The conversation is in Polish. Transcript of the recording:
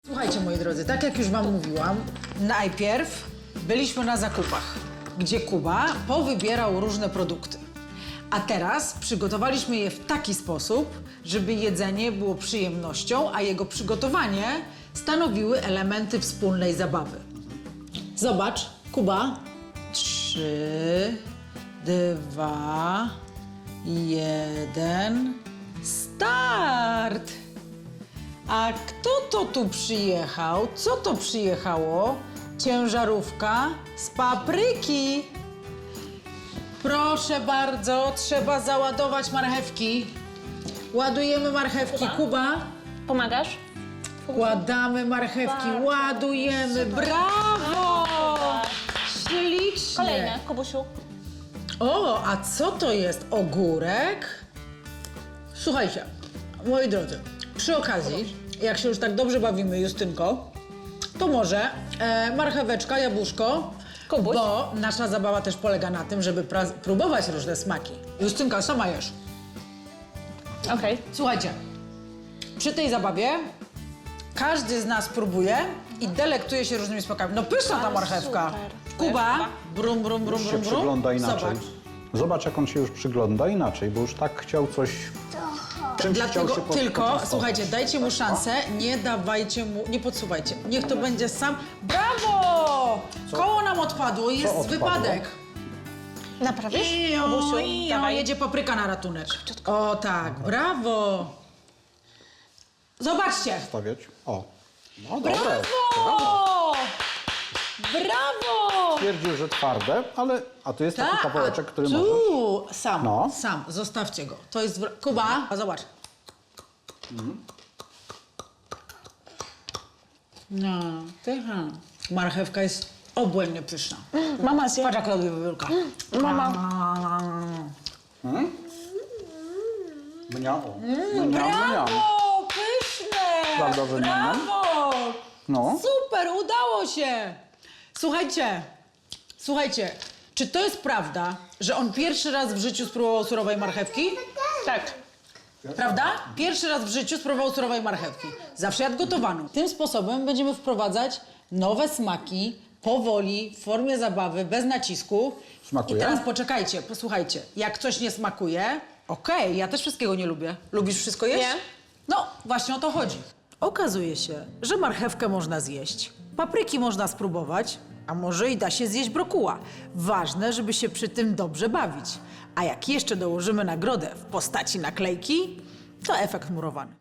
Słuchajcie, moi drodzy, tak jak już wam mówiłam, najpierw byliśmy na zakupach, gdzie Kuba powybierał różne produkty. A teraz przygotowaliśmy je w taki sposób, żeby jedzenie było przyjemnością, a jego przygotowanie stanowiły elementy wspólnej zabawy. Zobacz, Kuba. 3, 2, 1, start! A kto to tu przyjechał? Co to przyjechało? Ciężarówka z papryki. Proszę bardzo, trzeba załadować marchewki. Ładujemy marchewki. Kuba, Pomagasz? wkładamy marchewki, ładujemy. Brawo! Ślicznie. Kolejne, Kubusiu. O, a co to jest? Ogórek? Słuchajcie, moi drodzy, przy okazji, jak się już tak dobrze bawimy, Justynko, to może marcheweczka, jabłuszko, Kubuś. bo nasza zabawa też polega na tym, żeby próbować różne smaki. Justynka, sama jesz. Okej. Słuchajcie, przy tej zabawie każdy z nas próbuje i delektuje się różnymi smakami. No pyszna ta Ale marchewka. super. Kuba, brum, brum, brum, Już się brum, brum. przygląda inaczej. Zobacz. Zobacz, jak on się już przygląda inaczej, bo już tak chciał coś... Czymś chciał Dlatego się tylko, poczęstować. słuchajcie, dajcie mu szansę, nie dawajcie mu, nie podsuwajcie. Niech to będzie sam. Brawo! Koło nam odpadło, jest odpadło? wypadek. Naprawisz? Ijo, Kubusiu, ijo, dawaj. jedzie papryka na ratunek. O tak, brawo! Zobaczcie! Stawiać. O. No dobre. Brawo! Brawo! Twierdził, że twarde, ale... A tu jest taki Tak, kawałeczek, który tu, możesz... sam, No. sam, zostawcie go. To jest, Kuba, a zobacz. No, pycha. Marchewka jest obłędnie pyszna. Mama zje. Patrz jak robi wybiórka. Mama. Mniam, mniam. Brawo, pyszne! Prawda, że mniam? Brawo! No. Super, udało się! Słuchajcie, czy to jest prawda, że on pierwszy raz w życiu spróbował surowej marchewki? Tak. Prawda? Pierwszy raz w życiu spróbował surowej marchewki. Zawsze jadł gotowaną. Tym sposobem będziemy wprowadzać nowe smaki, powoli, w formie zabawy, bez nacisku. Smakuje? I teraz poczekajcie, posłuchajcie. Jak coś nie smakuje, okej, ja też wszystkiego nie lubię. Lubisz wszystko jeść? Nie. No, właśnie o to chodzi. Okazuje się, że marchewkę można zjeść, papryki można spróbować, a może i da się zjeść brokuła. Ważne, żeby się przy tym dobrze bawić. A jak jeszcze dołożymy nagrodę w postaci naklejki, to efekt murowany.